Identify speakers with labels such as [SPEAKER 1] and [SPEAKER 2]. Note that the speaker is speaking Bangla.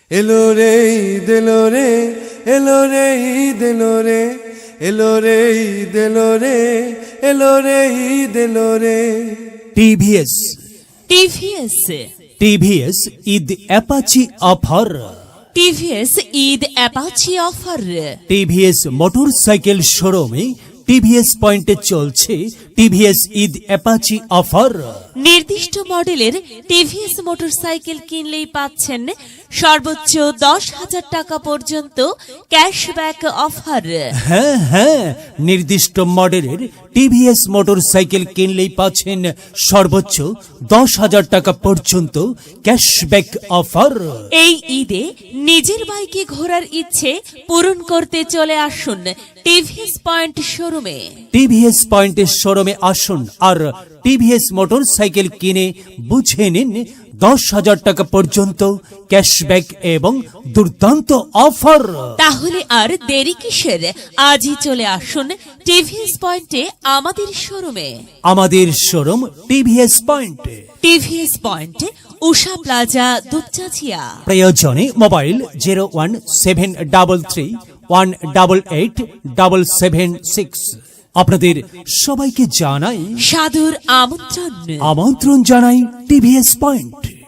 [SPEAKER 1] এলো রে ঈদ এলো রে, এলো রে ঈদ এলো রে, এলো রে ঈদ এলো রে, এলো রে ঈদ এলো রে।
[SPEAKER 2] TVS
[SPEAKER 3] TVS
[SPEAKER 2] Eid Apache offer.
[SPEAKER 3] TVS Eid Apache offer.
[SPEAKER 2] TVS motorcycle শোরুমে টিভিএস পয়েন্টে চলছে টিভিএস ঈদ অ্যাপাচি অফার।
[SPEAKER 3] নির্দিষ্ট মডেলের টিভিএস মোটরসাইকেল কিনলেই পাচ্ছেন সর্বোচ্চ 10,000 টাকা পর্যন্ত ক্যাশব্যাক অফার।
[SPEAKER 2] হ্যাঁ, নির্দিষ্ট মডেলের টিভিএস মোটরসাইকেল কিনলেই পাচ্ছেন সর্বোচ্চ 10,000 টাকা পর্যন্ত ক্যাশব্যাক অফার।
[SPEAKER 3] এই ঈদে নিজের বাইকে ঘোরার ইচ্ছে পূরণ করতে চলে আসুন টিভিএস পয়েন্ট শোরুমে।
[SPEAKER 2] টিভিএস পয়েন্টের শোরুমে আসুন আর টিভিএস মোটরসাইকেল কিনে বুঝে নিন 10,000 টাকা পর্যন্ত ক্যাশব্যাক এবং দুর্দান্ত অফার।
[SPEAKER 3] তাহলে আর দেরি কিসের? আজই চলে আসুন টিভিএস পয়েন্টে আমাদের শোরুমে।
[SPEAKER 2] আমাদের শোরুম টিভিএস পয়েন্টে।
[SPEAKER 3] TVS point, Usha plaza, Dupchanchia.
[SPEAKER 2] প্রয়োজনে মোবাইল 01733188776। আপনাদের সবাইকে জানাই
[SPEAKER 3] সাদর আমন্ত্রণ।
[SPEAKER 2] জানাই টিভিএস পয়েন্ট।